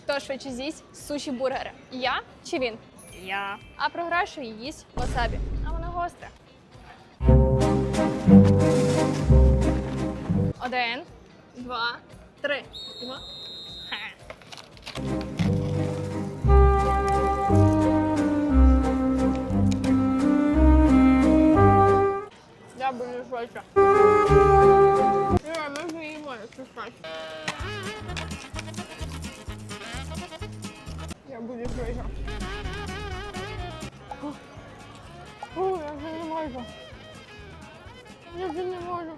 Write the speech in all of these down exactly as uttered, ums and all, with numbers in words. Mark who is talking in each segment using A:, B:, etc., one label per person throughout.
A: Хто швидше з'їсть суші-бургери? Я чи він? Я. А програшує їсть васабі. А воно гостре. Один, два, три. Два. Ха. Я буду швидше. Я ми вже їмо, якщо швидше. Я буду швидше. О, я вже не можу. Я вже не можу.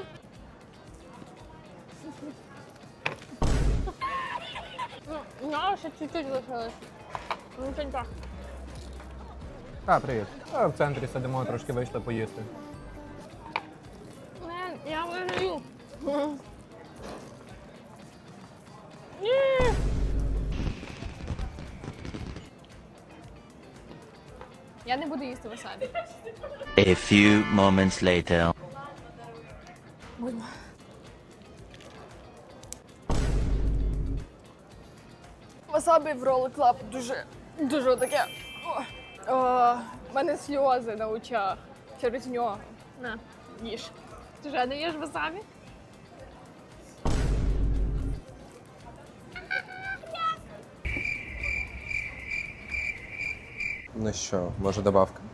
A: Ну, ну, ще чуть-чуть лишилось. Ну, це так.
B: А, привіт. А, в центрі сидимо, трошки вийшли поїсти.
A: Не, я виграю. Ні. Я не буду їсти васабі.
C: A few moments later.
A: Будьмо. Васабі в Roll Club дуже, дуже таке. О, о, в мене сльози на очах через нього. На, їж. Ти вже не їш васабі?
D: Ну що, може добавка?